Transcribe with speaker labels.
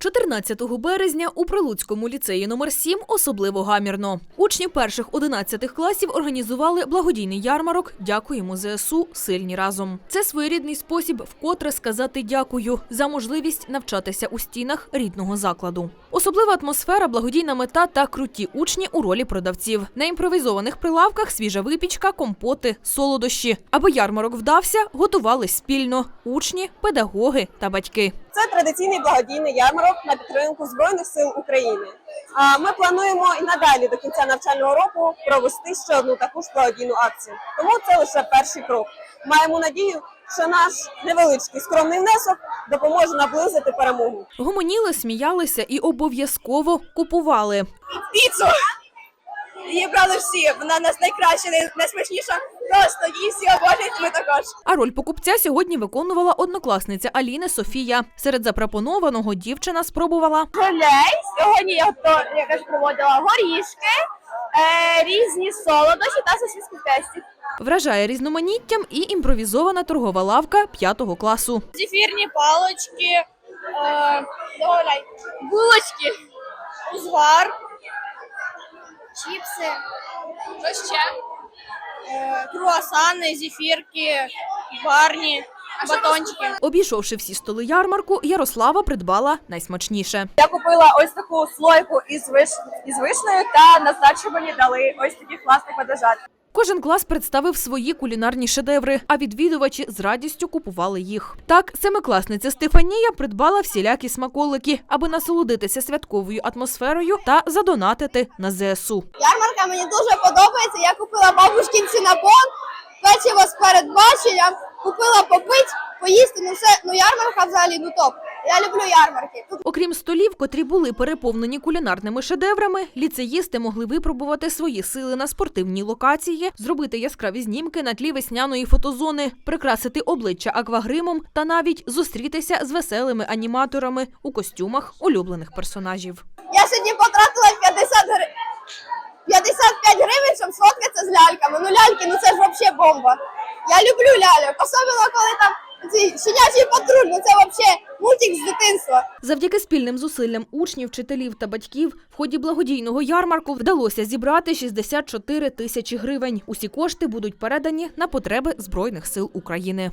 Speaker 1: 14 березня у Прилуцькому ліцеї номер 7 особливо гамірно. Учні перших 11 класів організували благодійний ярмарок «Дякуємо ЗСУ. Сильні разом». Це своєрідний спосіб вкотре сказати дякую за можливість навчатися у стінах рідного закладу. Особлива атмосфера, благодійна мета та круті учні у ролі продавців. На імпровізованих прилавках свіжа випічка, компоти, солодощі. Аби ярмарок вдався, готувались спільно – учні, педагоги та батьки.
Speaker 2: Це традиційний благодійний ярмарок на підтримку Збройних сил України. Ми плануємо і надалі до кінця навчального року провести ще одну таку ж благодійну акцію. Тому це лише перший крок. Маємо надію, що наш невеличкий скромний внесок допоможе наблизити перемогу.
Speaker 1: Гомоніли, сміялися і обов'язково купували.
Speaker 2: Піцу! Її брали всі, вона у нас найкраща, найсмачніша, просто її всі обожнюють, ми також.
Speaker 1: А роль покупця сьогодні виконувала однокласниця Аліни Софія. Серед запропонованого дівчина спробувала
Speaker 2: Гулей, сьогодні я проводила горішки, різні солодощі та сосиски в тесті.
Speaker 1: Вражає різноманіттям і імпровізована торгова лавка 5 класу.
Speaker 2: Зефірні палочки, булочки, узвар, чіпси, що ще? Круасани, зефірки, барні, батончики.
Speaker 1: Обійшовши всі столи ярмарку, Ярослава придбала найсмачніше.
Speaker 2: Я купила ось таку слойку із вишнею та на здачу мені дали ось такі класні медвежат.
Speaker 1: Кожен клас представив свої кулінарні шедеври, а відвідувачі з радістю купували їх. Так, семикласниця Стефанія придбала всілякі смаколики, аби насолодитися святковою атмосферою та задонатити на ЗСУ.
Speaker 2: Ярмарка мені дуже подобається. Я купила бабушкин цинабон, печиво з передбаченням, купила попити, поїсти. Ярмарка взагалі топ. Я люблю ярмарки.
Speaker 1: Окрім столів, котрі були переповнені кулінарними шедеврами, ліцеїсти могли випробувати свої сили на спортивній локації, зробити яскраві знімки на тлі весняної фотозони, прикрасити обличчя аквагримом та навіть зустрітися з веселими аніматорами у костюмах улюблених персонажів.
Speaker 2: Я сьогодні потратила 55 гривень, щоб сфоткатися з ляльками. Ляльки, це ж взагалі бомба. Я люблю ляльок, особливо коли там щенячий патруль, це взагалі мультик з дитинства.
Speaker 1: Завдяки спільним зусиллям учнів, вчителів та батьків в ході благодійного ярмарку вдалося зібрати 64 тисячі гривень. Усі кошти будуть передані на потреби Збройних сил України.